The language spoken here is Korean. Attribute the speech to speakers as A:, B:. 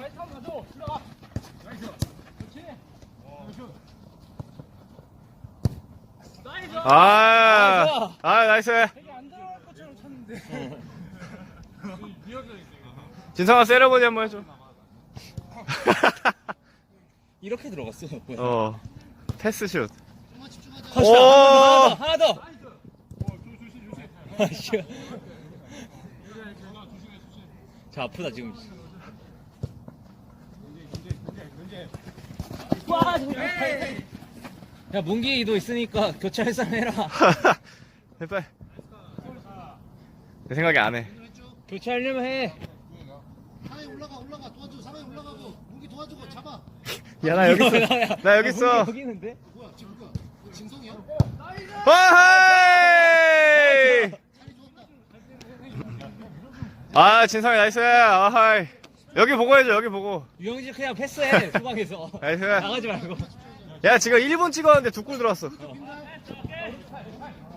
A: 나이스.
B: 되게 안 들어갈 것처럼 쳤는데.
A: 진성아 세레머니 한번 해줘.
C: 이렇게 들어갔어.
A: 패스슛.
C: 하나 더. 자, 아프다 지금. 야, 문기도 있으니까 교체할 사람 해라.
A: 빨리. 내 생각에 안 해.
C: 교체하려면 해.
D: 상에 올라가 도와줘. 상에 올라가고 무기 도와주고 잡아.
A: 야, 나 여기 있어. 나 여기 있어.
C: 여기 있는데?
D: 뭐야 지금 누가? 진성이야?
A: 와하이!
D: 살이 좋았다.
A: 진성이 나이스. 아하이. 여기 보고 해줘, 여기 보고.
C: 유영진 그냥 패스해. 소방에서.
A: 나이스.
C: 나가지 말고.
A: 야, 지금 1분 찍었는데 2골 들어왔어.